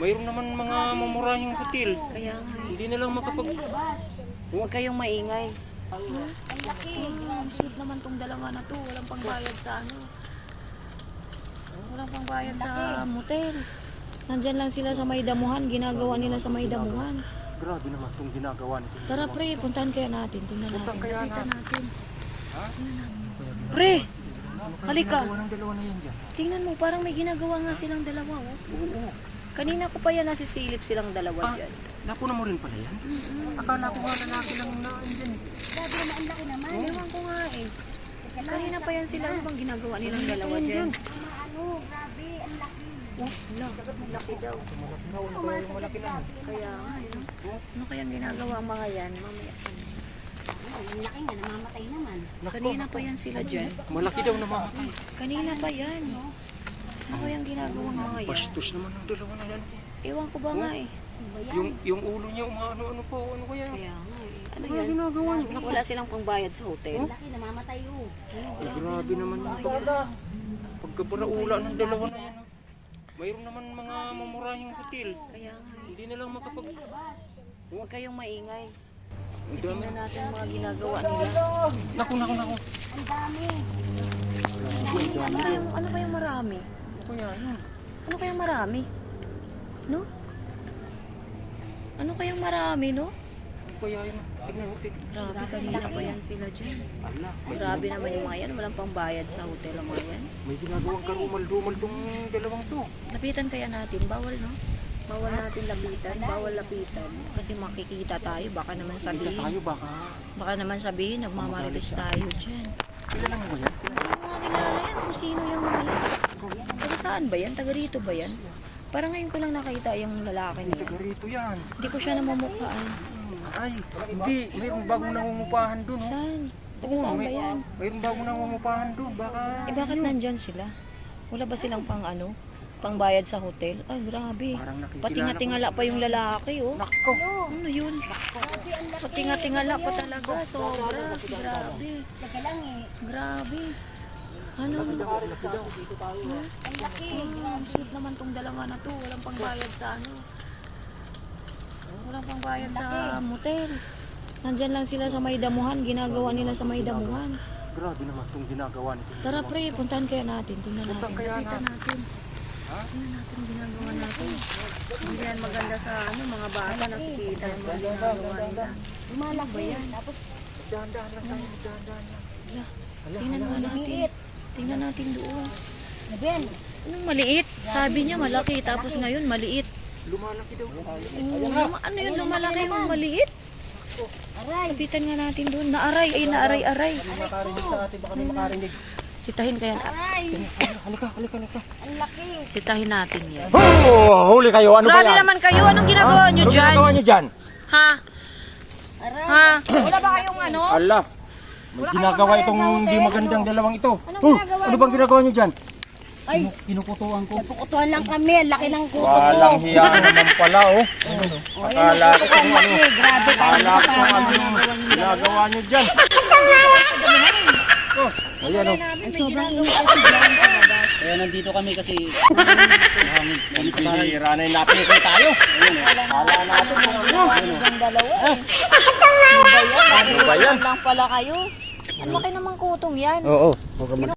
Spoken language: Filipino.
Mayroon naman mga mamurahing hotel. Kaya nga. Hindi na lang makapag... Huwag kayong maingay. Ang laki. Ang sweet naman tong dalawa na to. Walang pangbayad sa ano. Walang pangbayad sa motel. Nandyan lang sila sa may damuhan. Ginagawa nila sa may damuhan. Grabe naman itong ginagawa nito. Tara pre, puntahan kaya natin. Tingnan natin. Puntahan kaya natin. Ha? Pre! Halika. Ginagawa ng dalawa na yan dyan. Tingnan mo, parang may ginagawa nga silang dalawa. Oh. Oo. Kanina ko pa yan nasisilip silang dalawa dyan. Napuna mo rin pala yan? Akala ko nga lalaki lang na andyan. Grabe naman, ang laki naman. Ewan ko nga eh. Kanina pa yan sila. Ano bang ginagawa nilang dalawa dyan? Ano, grabe, ang laki. Laki daw. Malaki na. Kaya nga, ano kayang ginagawa ang mga yan? Mamaya. Ang laki nga, namamatay naman. Kanina pa yan sila dyan. Malaki daw namamatay. Kanina pa yan. Ano kayang ginagawa ang mga yan? Bastos naman ng dalawa na yan. Ewan ko ba nga eh. Yung ulo niya umaano-ano po. Ano kaya? Kaya nga eh. Ano Ano yan? ginagawa niya? Wala silang pangbayad sa hotel. Ang laki, namamatay oh. Ay, grabe naman yung pagkaparaula ng dalawa na yan. Mayroon naman mga mamurahing hotel. Kaya nga eh. Hindi na lang makapag... Huwag kayong maingay. Ang dami. Tingnan natin ang mga ginagawa nila. Naku. Ang dami. Ano ba yung marami? Ano kaya yun? Ano kayang marami? No? Ano kayang marami, no? Ano kaya yun? Tignan mo, Grabe, kanina pa yan sila dyan. Ala, Grabe naman yung mga yan. Walang pangbayad sa hotel ang mga yan. may ginagawang karumal-dumal tong dalawang to. Lapitan kaya natin. Bawal, no? Bawal natin lapitan. Bawal lapitan. Kasi makikita tayo. Baka naman Kita sabihin. tayo baka... Baka naman sabihin, nagmamarites tayo dyan. Kilala mo ba yan? Hindi ko nga kilala yan. Kung sino yung mga yan. Taga saan ba yan? Taga rito ba yan? Parang ngayon ko lang nakita yung lalaki niya. Taga rito yan. Hindi ko siya namumukhaan. Ay, hindi. Mayroong bagong nangungupahan dun. Oh. Saan? Taga Oo, saan ba yan? mayroong bagong nangungupahan dun. Baka... Eh bakit nandyan sila? Wala ba silang pang ano? Pangbayad sa hotel? Ay grabe. Parang nakikilala Patinga-tingala pa yung lalaki oh. Nako. Ano yun? Patinga-tingala pa talaga. Sobra. Grabe. Teka lang eh. Grabe. Ano? Ang laki. Ang sweet naman tong dalawa na to. Walang pangbayad sa ano. Walang pangbayad sa motel. Nandyan lang sila sa may damuhan. Ginagawa nila sa may damuhan. Grabe naman itong ginagawa nito. Tara pre, puntahan kaya natin. Tingnan natin. Puntahan kaya Lapitan natin. Ha? Tingnan natin ang ginagawa natin. Hindi yan maganda sa ano, mga bata nakikita yung mga ginagawa nila. Lumalaki ba yan? Tapos, Dahan-dahan lang tayo. Dahan-dahan lang. Tingnan nga natin. Tingnan natin doon. Nabel. Anong maliit? Sabi niya malaki, tapos ngayon maliit. Lumalaki daw. Ano yun, lumalaki yung maliit? Aray. Lapitan nga natin doon. Naaray, ay naaray-aray. Makarinig sa atin. Baka may makarinig. Sitahin kaya. Aray. Halika. Ang laki. Sitahin natin yan. Oh, huli kayo. Ano Grabe naman kayo. Anong ginagawa niyo Ano dyan? ginagawa niyo dyan? Ha? Aray. Ha? Wala ba kayong ano? Ala. May ginagawa itong hindi magandang dalawang ito. ginagawa Ano bang ginagawa niyo dyan? Ay. Kinukutuan ko. Pukutuhan lang kami. Ang laki ng kuto ko. Walang hiya naman pala, oh. Akala ko kung ano. Grabe tayo. Akala ko kung ano ginagawa niyo dyan. Oh, ayan, oh. Kaya nandito kami kasi Pinira na yung napili tayo. Akala natin kung ano. Ang dalawa eh. Ano ba yan? Lang pala kayo. Ang laki namang kutong yan. Oo.